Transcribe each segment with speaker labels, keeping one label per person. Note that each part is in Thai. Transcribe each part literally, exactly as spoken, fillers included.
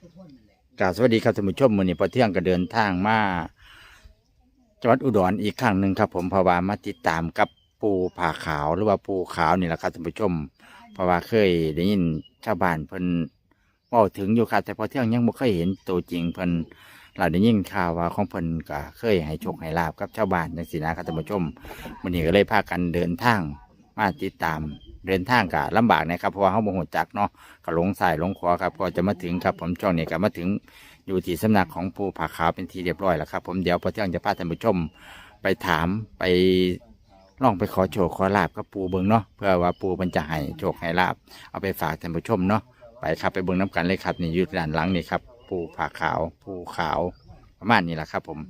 Speaker 1: กราบสวัสดีครับท่านผู้ชมมื้อนี้พอเที่ยงก็เดินทางมาจังหวัดอุดรอีกครั้งหนึ่งครับผมเพราะว่ามาติดตามกับปูผาขาวหรือว่าปูขาวนี่แหละครับท่านผู้ชมเพราะว่าเคยได้ยินชาวบ้านเพิ่นเว้าถึงอยู่ครับแต่พอเที่ยงยังบ่เคยเห็นตัวจริงเพิ่นเราได้ยินข่าวว่าของเพิ่นก็เคยให้โชคให้ลาบกับชาวบ้านจังซี่นะครับท่านผู้ชมมื้อนี้ก็เลยพากันเดินทางมาติดตามเดินทางก็ลำบากนะครับเพราะว่าเฮาบ่ฮู้จักเนาะก็หลงซ้ายหลงขวาครับก็จะมาถึงครับผมช่วงนี้ก็มาถึงอยู่ที่สำนักของปูผาขาวเป็นที่เรียบร้อยแล้วครับผมเดี๋ยวพอเที่ยงจะพาท่านผู้ชมไปถามไปลองไปขอโชคขอลาบกับปูเบิงเนาะเพื่อว่าปูมันจะให้โชคให้ลาบเอาไปฝากท่านผู้ชมเนาะไปครับไปเบิงน้ำกันเลยครับนี่อยู่ด้านหลังนี่ครับปูผาขาวปูขาวประมาณนี้แหละครับผม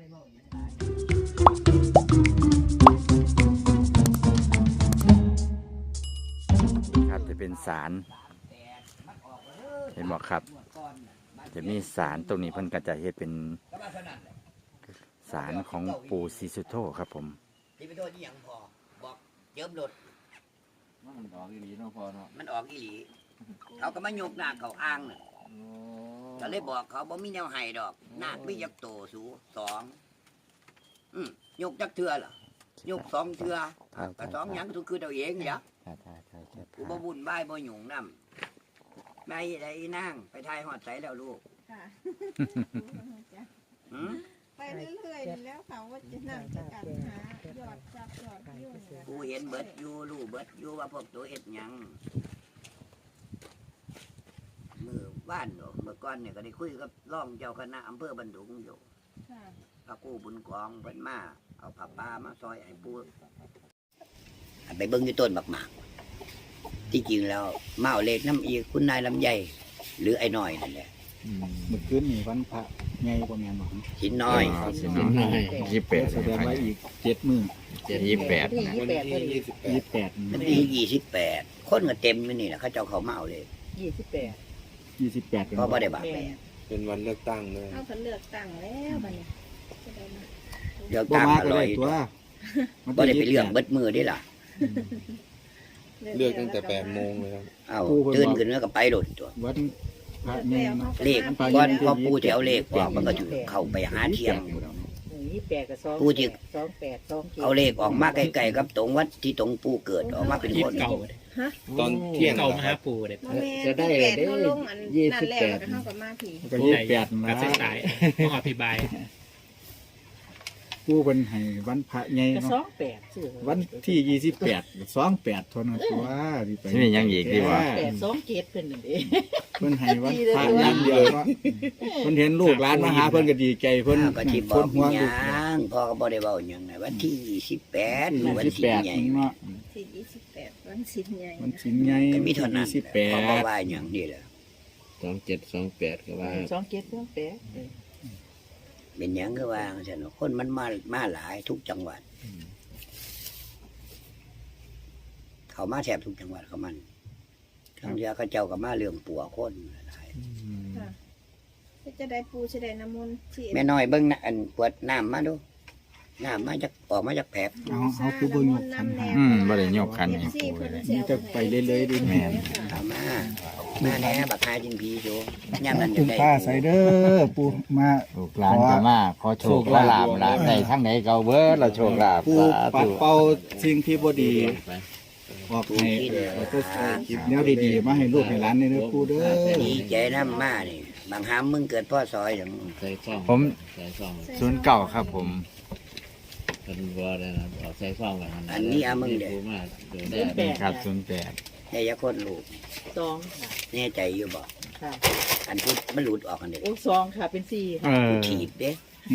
Speaker 1: ครับจะเป็นศาลเห็นบอกครับจะมีศาลตรงนี้เพิ่นก็จะเฮ็ดเป็นศาลของปู่ศรีสุโธครับผม
Speaker 2: ที่ไปโทษที่ยังพอบอกเจิมรถ
Speaker 3: มันออกอีหลีเนาะพอเนาะ
Speaker 2: มันออกอีหลีเขาก็มาโยกหน้าเขาอ้างน่ะก็เลยบอกเขาบอกมีแนวไห้ดอกหน้าไม่ยักโตสูสองอืมโยกจักเทือเหรอโยกสองเทือก็สองยังทุกคือเราเองอย่ากูบ่บุญบ่ายบ่หยุ่งน้ำไม่ได้นั่งไปทายหอดใสแล้วลูก
Speaker 4: ไปเรื่อยๆแล้วเขาว่าจะนั่งจะกันหายอดจับยอดยุ่ง
Speaker 2: กูเห็นเบิดอยู่ลูกเบิดอยู่ว่าพวกตัวเอ็ดยังมือบ้านเนาะเมื่อก่อนเนี่ยก็ได้คุยกับร่องเจ้าคณะอำเภอบันดุงอยู่พระกู้บุญกองเพิ่นมาเอาผ้าป่ามาซอยไอ้ปูไปเบิ้งที่ต้นบักหมากที่จริงแล้วเมาเล็กน้ำอีกคุณนายลำไยหรือไอ้น้อยนั่นแหละ
Speaker 3: เมื่อคืนนี่วันพระไงประมาณนั้น
Speaker 2: หินน้อย
Speaker 1: หินน้อยยี่สิบแปด
Speaker 3: แสดงว่าอีกเจ็ดมื้อ
Speaker 1: ยี่สิบแปด
Speaker 3: ยี่สิบแปด
Speaker 2: มันที่ยี่สิบแปดคนก็เต็มอยู่นี่แหละเขาเจ้าเขาเมาเลย
Speaker 4: ยี่สิบแปด
Speaker 3: ยี่สิบแปด
Speaker 2: เพราะว่าได้บาป
Speaker 5: เป็นวันเลือกตั้งเลย
Speaker 4: เขาเลือกตั้งแล้วบัดนี้
Speaker 2: เลือกตั้งอร่อยตัวบ่ได้ไปเรื่องเบิดมือได้ล่ะ
Speaker 5: เลือกตั้งแต่แปดโมงเลยครับ
Speaker 2: เอาตื่นขึ้นแล้วก็ไปโดดตัว
Speaker 3: วันพระแม่
Speaker 2: เลขก่อนพอปูจะเอาเลขออกมันก็ถือเข้าไปหาเที่ยงปูจะเอาเลขออกมาใกล้ๆกับตรงวัดที่ตรงปูเกิดออกมาเป็นคน
Speaker 5: ตอนเที่ยง
Speaker 6: เก่ามาหาปูเด็ด
Speaker 4: จะได้ได้ยี่สิบแปดเท่ากับมาผี
Speaker 3: ก็ยี่สิบแปด
Speaker 6: นะสายมหาพิบาย
Speaker 3: ผู้เป็นให้วันพระไงเนาะวันที่ยี่สิบแปดสองแปดทนตัว
Speaker 1: ที่ไปนี่ยังอีกดีว่า
Speaker 4: แปดสองเจ็ดเป็นหนึ่งเอง
Speaker 3: เพิ่นให้วันพระยันเดียวเนาะเพิ่นเห็นลูกหลานมาหาเพิ่นก็ดีใจเพิ่น
Speaker 2: ก็ที่บอกยังพ่อก็บ่ได้เว้าหยังไงวันที่ยี่สิบแปดวันสิบใหญ่
Speaker 4: เนาะที่ยี่สิบแปดวันสิบใหญ่
Speaker 3: วันสิบใหญ่
Speaker 2: มีเท่านั้นสิบแปดพ่อว่าอย่างนี้แหละ
Speaker 5: สองเจ็ดสองแปดก็ว่า
Speaker 4: สองเจ็ดสองแปด
Speaker 2: เป็นอย่างก็ว่าฉันคนมันมามาหลายทุกจังหวัดเขามาแทบทุกจังหวัดเขามันทางเดียวเขาเจ้าก็มาเรื่องปัวคนหลาย
Speaker 4: จะได้ปูจะได้น้ำมนต์
Speaker 2: แม่น้อยเบิ้งอันปวดน้ำมาดูน้ำมาจากออกมาจากแผล
Speaker 3: เอาเอาคือเบิ้งยกขันหา
Speaker 1: อืมบ่ได้ยกขันให้ปู
Speaker 3: นี่จะไปเรื่อยๆดิแม่
Speaker 2: เอามามาแน่บักฮาจินพีโจย่ำนั้น
Speaker 3: อยู่ได้ป้าใส่เด้อปูมา
Speaker 1: ลูกหลานก็มาขอโชคขอลาภลาได้ทั้งไหนเก่าเบิดเราโชคลาภ
Speaker 3: ปูปัดเป่าสิ่งที่บ่ดีออกให้เราก็คิดแนวดีๆมาให้ลูกให้หลานนี่นะปูเด้อ
Speaker 2: ดีใจน้ำมานี่บางหามมึงเกิดพ่อซอยอย่าง
Speaker 1: ผมศูนย์เก่าครับผม
Speaker 5: เป็นวัวเลยนะเอาใส่ฟองไว้
Speaker 2: อันนี้อามึงเด็
Speaker 1: กครับศูนย์แปด
Speaker 2: ได้ยาคนลูก
Speaker 4: สอง
Speaker 2: แน่ใจอยู่บ่อันพูดมันหลุดออกกันเด็ก
Speaker 4: โอ้สองค่ะเป็นสี่
Speaker 2: กูถีบเด้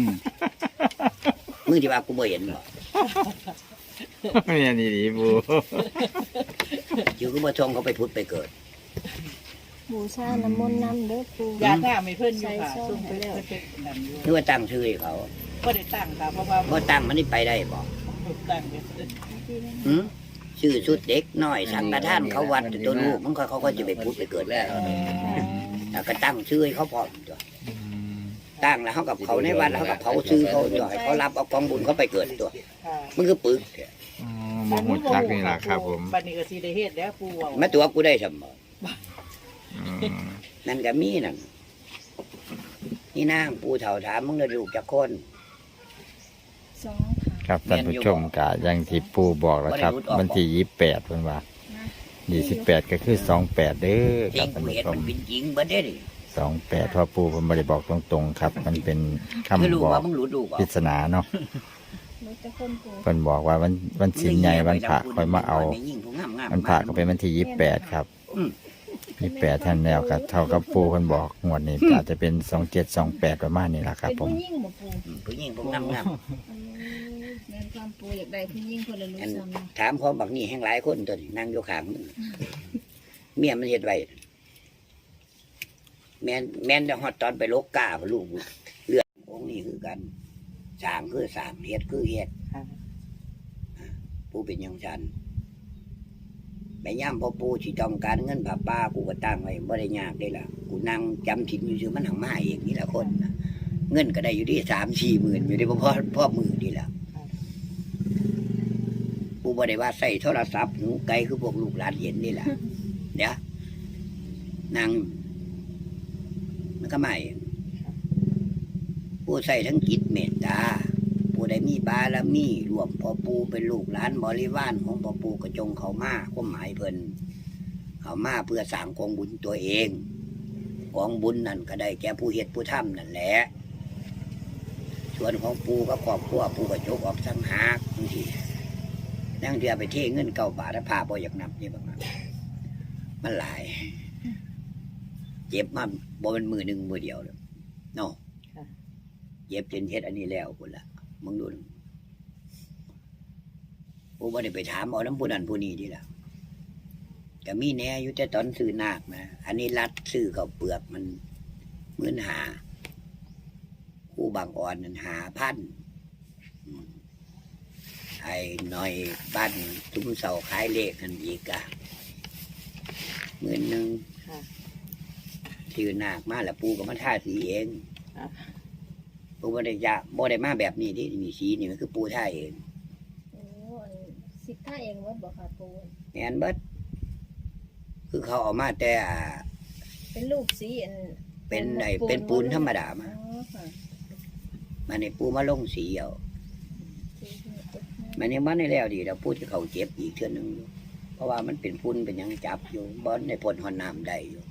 Speaker 2: มึงที่ว่ากูบ่เห็นบ่
Speaker 1: ไม่ยันดีบู
Speaker 2: อยู่กูบ่ชงเขาไปพุทธไปเกิด
Speaker 4: บูชาน้ำมนต์น้ำเด้อปูยาท่าไม่เพิ่นอยู่ค่ะส่งไปแล้ว
Speaker 2: นึกว่าตั้งชื่อเขา
Speaker 4: บ่ได้ตั้งค่ะเพราะว่า
Speaker 2: บ่ตั้งมันนี่ไปได้บ่
Speaker 4: ตั้ง
Speaker 2: หืมชื่อชุดเด็กน้อยสังฆทานเขาวัดตัวลูกมันเขาก็จะไปพุทธไปเกิดแล้วแต่ก็ตั้งชื่อให้เขาพร้อมตัวตั้งแล้วเขากับเขาในวัดแล้วเขากับเขาซื้อเขาตัวเขารับเอากองบุญเขาไปเกิดตัวมันคือปึก
Speaker 1: มันหมดจักนี่แหละครับผม
Speaker 4: บัดนี้ก็สิได้เฮ็ดแล้วปูว่า
Speaker 2: แม่ตัวกูได้สมบ่นั่นก็มีนั่นนี่นางปูเฒ่าถามมึงได้ลูกจักคน
Speaker 4: สองค่ะ
Speaker 1: ครับท่านผู้ชมกะยังที่ปูบอกแล้วครับวันที่ยี่สิบแปดเพิ่นว่ายี่สิบแปดก็คือสองแปดเด้อ
Speaker 2: จ
Speaker 1: ค
Speaker 2: ริ
Speaker 1: รับ
Speaker 2: ง
Speaker 1: ท่าน
Speaker 2: กู
Speaker 1: ผู้
Speaker 2: เห็น
Speaker 1: ชม
Speaker 2: มันเป็นจริงเบิดเด้ดิ
Speaker 1: สองแปดเพราะปูเพิ่นบ่ได้บอกตรงๆครับ มันเป็นคำ
Speaker 2: คือรู้
Speaker 1: บอก
Speaker 2: ว่ามึงรู้ดูก่อ
Speaker 1: ปริศนาเนาะ
Speaker 4: รู้จะคนปู
Speaker 1: เพิ่นบอกว่าวันวันศีลใหญ่วันพระค่อยมาเอาวันพระก็เป็นวันที่ยี่สิบแปดครับยี่สิบแปดท่านแล้วก็เท่ากับปูเพิ่นบอกงวดนี้อาจจะเป็นสองเจ็ดสองแปดประมาณนี้ล่ะครับ
Speaker 4: เป็น
Speaker 1: ผม
Speaker 4: ผู้ยิ่งบ่ปู
Speaker 2: ผู้หญิงผู้งามงาม
Speaker 4: แม่นความปูอยากได้ผู้ยิ่งคนละรู้
Speaker 2: อัน
Speaker 4: ซ้ำเนาะ
Speaker 2: ถามพร้อมบักนี่แห่งหลายคนตัวนี้นั่งอยู่ข้างมึงเมียมันเฮ็ดไว้แม่นแม่นจะฮอดตอนไปลกกาบ่ลูกเลือดองค์นี้คือกันสร้างคือสร้างเฮ็ดคือเฮ็ดผู้เป็นอย่างฉันไปย่ำพอปูสิต้องการเงินผ้าป้ากูก็ตั้งไว้บ่ได้ยากได้ล่ะกูนั่งจำถิ่นอยู่ซื่อมันหังมาเองนี่ละคนน่ะเงินก็ได้อยู่ที่สามสี่หมื่นอยู่ที่พ่อพ่อมือนี่แหละกูบ่ได้ว่าใส่โทรศัพท์หูไกลคือพวกลูกหลานเห็นนี่แหละเดี๋ยวนั่งมันก็ไม่ผู้ใส่ทั้งจิตเมตตาผู้ใดมีบารมีรวมพ่อปูเป็นลูกหลานบริวารของพ่อปูกระจงเขามาความหมายเพิ่นเขามาเพื่อสร้างกองบุญตัวเองกองบุญนั่นก็ได้แก่ผู้เฮ็ดผู้ทำนั่นแหละส่วนของปูก็ครอบครัวปูกระจกออกสังหากบางทีนั่งเรือไปเทเงินเก้าบาทแล้วพาบ่อยากนับนี่บางนั้นมันหลายเจ็บมาบ่เป็นมือหนึ่งมือเดียวเลยเนาะเจ็บจนเฮ็ดอันนี้แล้วพุ่นละมึงดูผู้บ่ได้ไปถามเอาน้ำผู้นั้นผู้นี้ดีละก็มีแน่อยู่แต่ตอนซื้อนาคนะอันนี้รัดซื้อเขาเปลือกมันเหมือนหาคู่บางอ่อนนั้นหาพันไอ้หน่อยบ้านทุ่มเสาขายเลขกันอีกอะหมื่นหนึ่งซื้อนาคมาแล้วปูก็มาท่าสีเองปูบ่ได้ยะบ่ได้มาแบบนี้ที่มีสีนี่มันคือปูท่าเอง
Speaker 4: โอ้อันสิท่าเองว่าบ่ค่ะปู
Speaker 2: แอนเบิดคือเขาเอามาแต่อ่า
Speaker 4: เป็นลูกสีอัน
Speaker 2: เป็นไอ้เป็นปูนธรรมดามา
Speaker 4: อ๋อค่ะ
Speaker 2: มันในปูมาลงสีเอามันยังมันในแล้วดีแล้วปูที่เขาเจ็บอีกเทื่อนึงอยู่เพราะว่ามันเป็นปูนเป็นหยังจับอยู่บอนในพ่นหอนน้ำได้อยู่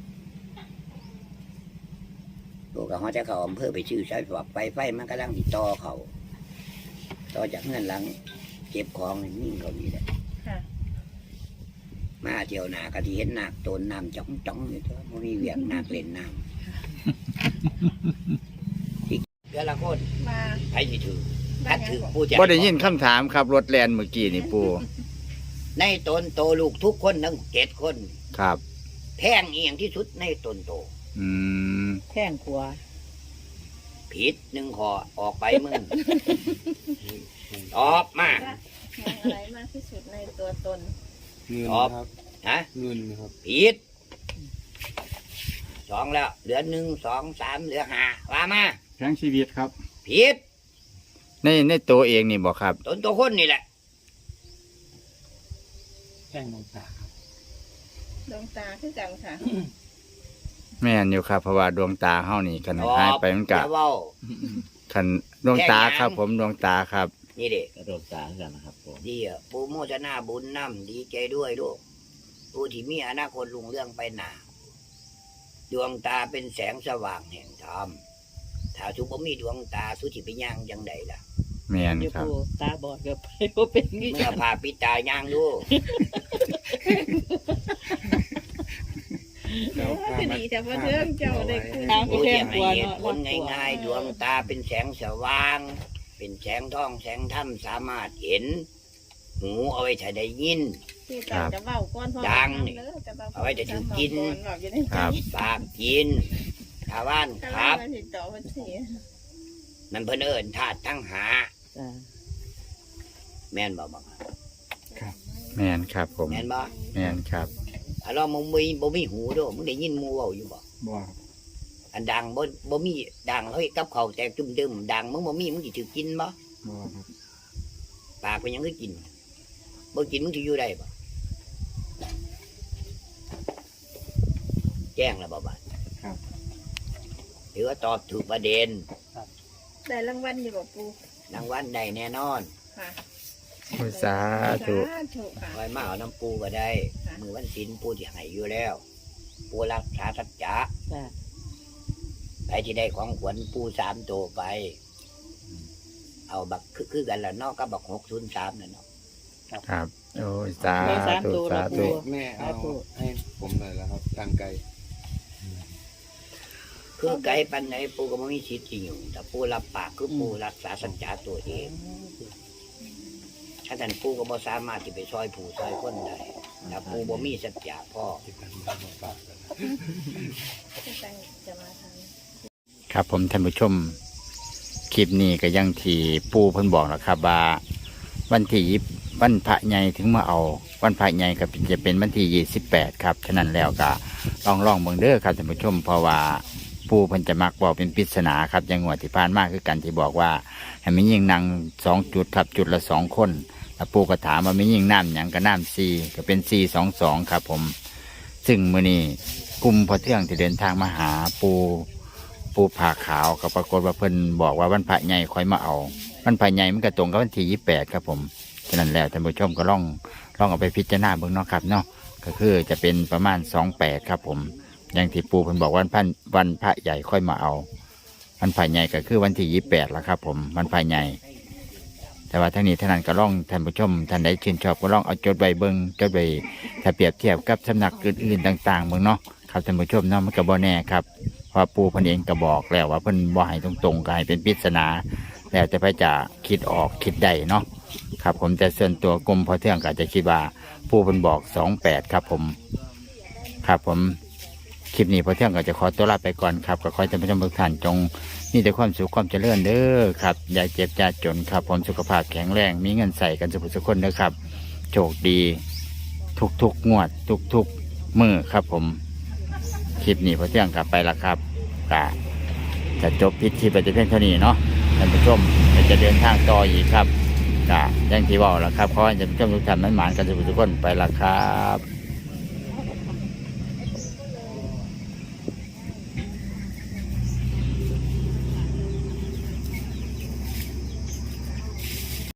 Speaker 2: ลูกกับเขาจะเขาอำเภอไปชื่อใช้ฝักไฟไฟมันก็ลังติดต่อเขาต่อจากเงินหลังเก็บของนิ่งเขานี่แหละ
Speaker 4: ค่ะ
Speaker 2: มาเที่ยวหนากะที่เห็นหนักโตนน้ำจ้องจ้องอยู่เถอะมันมีเวียงหนักเล่นน้ำที่เพื่อละคน
Speaker 4: มา
Speaker 2: ใครสิถือถ้าถือปูจะ
Speaker 1: บ่ได้ยินคำถามครับรถแลนเมื่อกี้นี่ปู
Speaker 2: ในตนโตลูกทุกคนทั้งเจ็ดคน
Speaker 1: ครับ
Speaker 2: แพงเอียงที่สุดในตนโต
Speaker 1: อืม
Speaker 7: แข้งขวา
Speaker 2: ผิดหนึ่งขอออกไปมึงตอบมา
Speaker 4: แพงอะไรมากที่สุดในตัวตน
Speaker 5: เงิน
Speaker 2: ตอบ
Speaker 5: ครับ
Speaker 2: ฮะ
Speaker 5: เงินครับ
Speaker 2: ผิดสองแล้วเหลือหนึ่งสองสามเหลือห้าว่ามา
Speaker 3: แข็งชีวิตครับ
Speaker 2: ผิด
Speaker 1: ในในตัวเองนี่บอกครับ
Speaker 2: ตนตัวคนนี่แหละ
Speaker 6: แข้งมองตาครับ
Speaker 4: ดวงตาคือกันค่ะ
Speaker 1: แม่นอยู่ครับเพราะว่าดวงตาเฮานี่คัน
Speaker 2: ตอบ
Speaker 1: หายไปมัน
Speaker 2: อก
Speaker 1: ะ
Speaker 2: ย่าเว้า
Speaker 1: คันดวงตา
Speaker 2: แค่นั้น
Speaker 1: ครับ ผมดวงตาครับ
Speaker 2: นี่เด็ก
Speaker 6: กระโดดตากันนะครับผม
Speaker 2: ดีอ่ะปูโมทนาบุญน้ำดีใจด้วยลูกผู้ที่มีอนาคตลุงเรื่องไปหนาดวงตาเป็นแสงสว่างแห่งธรรมถ้าสุบ่มีดวงตาสุจิไปย่างจังใดล่ะ
Speaker 1: แม่น
Speaker 7: อยู่
Speaker 1: ครับ
Speaker 7: ปูตาบอดกับไปบ่เป็นงี้
Speaker 2: เมื่อพาปิดตาย่างดู
Speaker 5: แล้วข้ามา
Speaker 4: ดีแต่ว่าเรื่องเจ้าได้คุย
Speaker 7: ทางไป
Speaker 2: ผู้
Speaker 7: แข้
Speaker 2: ที่
Speaker 7: งข
Speaker 2: ให้
Speaker 7: วา
Speaker 2: เหตุ
Speaker 7: เนาะ
Speaker 2: ผลง่ายๆดวงตาเป็นแสงสว่าง เป็นแสงทองแสงธรรมสามารถเห็น หูเอาไว้ถ้าได้ยิน
Speaker 4: ที่ตอนจะเว้าก่อนพ่อ
Speaker 2: ดังนี่
Speaker 4: เด้อจะว้
Speaker 2: เอาไว้จะถือกิน
Speaker 4: บอกอยู่ใน
Speaker 1: ครับ
Speaker 2: ปากกินชาวบ้าน
Speaker 4: ค
Speaker 2: ค
Speaker 4: รั
Speaker 2: รั
Speaker 4: บบ ติดต่อวันที่
Speaker 2: มันเพิ่นเอิญธาตุทั้งหา
Speaker 7: จ้ะ
Speaker 2: แม่นบ่บัง
Speaker 1: แม่นครับผม
Speaker 2: แม่นบ่
Speaker 1: แม่นครับ
Speaker 2: ถ้าเรามึงมีบ่มีหูเด้วยมึงได้ยินหมูเว้าอยู่บ่
Speaker 3: บ่
Speaker 2: อันดังบ่บ่มีดังเฮ้ยกับเขาวแตกจุ่มดึมดังมึงบ่มีมึงสิถือกินบ่
Speaker 3: บ่ครับ
Speaker 2: ปากเป็นหยังคือกินบ่กินมึงสิอยู่ได้บ่แจ้งแล้วบ่บาด
Speaker 3: ครับ
Speaker 2: หรือว่าตอบถูกประเด็น
Speaker 4: ได้รางวัลอยู่บ่ปู
Speaker 2: รางวัลได้แน่นอน
Speaker 4: ค่ะ
Speaker 1: โอ้ยสาธุ
Speaker 4: สาธุค่ะ
Speaker 2: คอยมาเอาน้ำปูก็ได้
Speaker 4: ค่ะ
Speaker 2: มือวันศีลปูที่ให้อยู่แล้ว ปูรักษาสัจจะ
Speaker 7: จ้ะ
Speaker 2: ไปที่ได้ของขวัญปูสามตัวไป เอาบักคือคือกันละเนอกก็บักหกศูนย์สามนั่นเนาะ
Speaker 1: ครับโอ้ยสา
Speaker 7: ได้สาม
Speaker 1: ธุ
Speaker 7: ตัว
Speaker 1: สา
Speaker 7: แล้ว
Speaker 1: ธุ
Speaker 7: ปู
Speaker 5: แม่เอาให้ผมหน่อยแล้วครับทางไกล
Speaker 2: คือไกลปันไหนปูก็ไม่มีสิทธิ์ที่อยู่แต่ปูรับปากคือปูรักษาสัจจะตัวเองถ้าท่านปูก็บ่สามารถที่ไปซอยผู้ซอยคนได้แต่ปูบ่มีสัจจะพ่อ
Speaker 4: จะมาทาง
Speaker 1: ครับผมท่านผู้ชมคลิปนี้ก็ยังที่ปูเพิ่นบอกนะครับว่าวันที่ยี่วันพระใหญ่ถึงมาเอา วันพระใหญ่ก็จะเป็นวันที่ยี่สิบแปดครับฉะนั้นแล้วก็ลองลองเบิ่งเด้อครับท่านผู้ชมเพราะว่าปูเพิ่นจะมักบอกเป็นปริศนาครับอยังงวดที่ผ่านมาคือกันที่บอกว่าให้มียิงนางสองจุดครับจุดละสองคนแล้วปูก็ถามว่ามียิงน้ำหยังก็น้ำซีก็เป็นซีสองสองครับผมซึ่งมื้อนี้กลุ่มพอเที่ยงที่เดินทางมาหาปูปูผ่าขาวก็ปรากฏว่าเพิ่นบอกว่าวันพระใหญ่ค่อยมาเอาวันพระใหญ่มันก็ตรงกับวันที่ยี่สิบแปดครับผมฉะนั้นแล้วท่านผู้ชมก็ลองลองเอาไปพิจารณาเบิ่งเนาะครับเนาะก็คือจะเป็นประมาณสองแปดครับผมอย่างที่ปูเพิ่นบอกวันพันวันพระใหญ่ค่อยมาเอาวันพระใหญ่ก็คือวันที่ยี่สิบแปดแล้วครับผมวันพระใหญ่แต่ว่าทั้งนี้ท่านั้นก็ลองท่านผู้ชมท่านใดชื่นชอบก็ลองเอาจดใบเบิ่งจดใบถ้าเปรียบเทียบกับสำนักอื่นๆต่างๆเบิ่งเนาะครับท่านผู้ชมเนาะมันก็บ่แน่ครับเพราะปูเพิ่นเองก็บอกแล้วว่าเพิ่นบ่ให้ตรงๆก็ให้เป็นปริศนาแล้วแต่พระจะคิดออกคิดได้เนาะครับผมแต่ส่วนตัวกรมพอเที่ยงก็จะคิดว่าปูเพิ่นบอกสองแปดครับผมครับผมคลิปนี้พอเที่ยงก็จะขอตัวลาไปก่อนครับก็ขอให้ท่านผู้ชมทุกท่านจงมีแต่ความสุขความเจริญเด้อครับอย่าเจ็บอย่าจนครับผมสุขภาพแข็งแรงมีเงินใส่กันสุขสุขคนเด้อครับโชคดีทุกๆงวดทุกๆมื้อครับผมคลิปนี้พอเที่ยงกลับไปละครับก็จะจบพิธีไปแต่เพียงเท่านี้เนาะท่านผู้ชมจะเดินทางต่ออีกครับก็อย่างที่บอกแล้วครับขอให้ท่านผู้ชมทุกท่านนั้นหมานกันสุขสุขคนไปละครับ